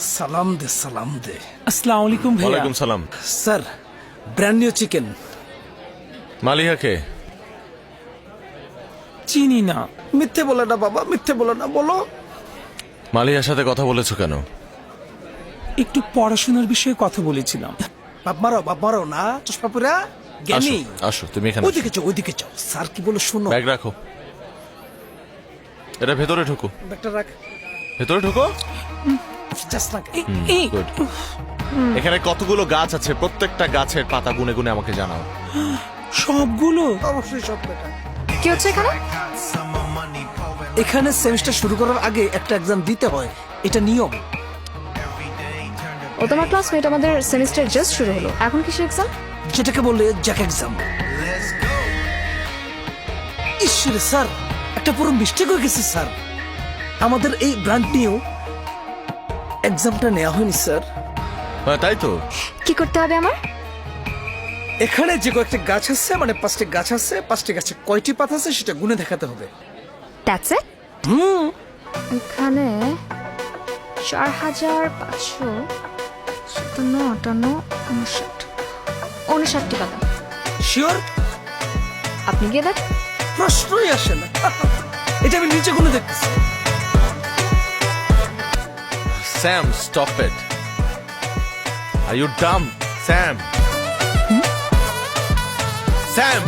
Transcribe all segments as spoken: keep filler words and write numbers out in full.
সালাম দে সালাম দে। আসসালামু আলাইকুম ভাইয়া। ওয়ালাইকুম সালাম। Sir, brand new chicken. মালিহাকে চিনি না। মিথ্যে বলে না বাবা, মিথ্যে বলে না, বলো। মালিহার সাথে কথা বলেছো কেন? একটু পড়াশোনার বিষয়ে কথা বলেছিলাম। বাপ মারো, বাপ মারো না, চশমা পুরা জ্ঞানী। আসো আসো তুমি এখানে আসো। ওইদিকে যাও, ওইদিকে যাও। স্যার কি বলে শোনো। ব্যাগ রাখো, এটা ভেতরে ঢুকো, ব্যাগটা রাখ। ভেতরে ঢুকো। জাস্ট রাখ। এ- এই গুড। এখানে কতগুলো গাছ আছে, প্রত্যেকটা গাছের পাতা গুনে গুনে আমাকে জানাও। সবগুলো? অবশ্যই সব বেটা। কি হচ্ছে এখানে? এখানে সেমিস্টার শুরু করার আগে একটা এক্সাম দিতে হয়, এটা নিয়ম। ও তোমার ক্লাসমেট, আমাদের সেমিস্টার জাস্ট শুরু হলো, এখন কিসের এক্সাম? যেটাকে বলে জ্যাক এক্সাম। ঈশ্বরে স্যার, একটা পুরো মিস্টেক হয়ে গেছে স্যার। আমাদের এই ব্রান্ড নিউ এক্সামটা নেওয়া হয়নি স্যার। হ্যাঁ তাই তো। কি করতে হবে আমার? এখানে যে কয়েকটি গাছ আছে, মানে পাঁচটি গাছ আছে, পাঁচটি গাছে কয়টি পাতা আছে সেটা গুনে দেখাতে হবে। That's it? হুম। এখানে চার হাজার পাঁচশো সাতান্ন আটান্ন উনষাট উনষাটটি পাতা। শিওর? আপনি গিয়ে দেখ। প্রশ্নই আসে না। এটা আমি নিচে গুনে দেখতেছি। Sam, stop it. Are you dumb Sam? Sam,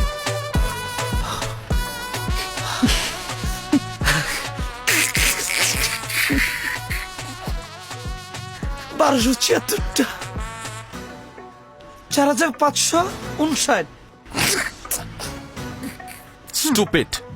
বারোশো ছিয়াত্তরটা, চার হাজার পাঁচশো উনষাট। স্টুপিড।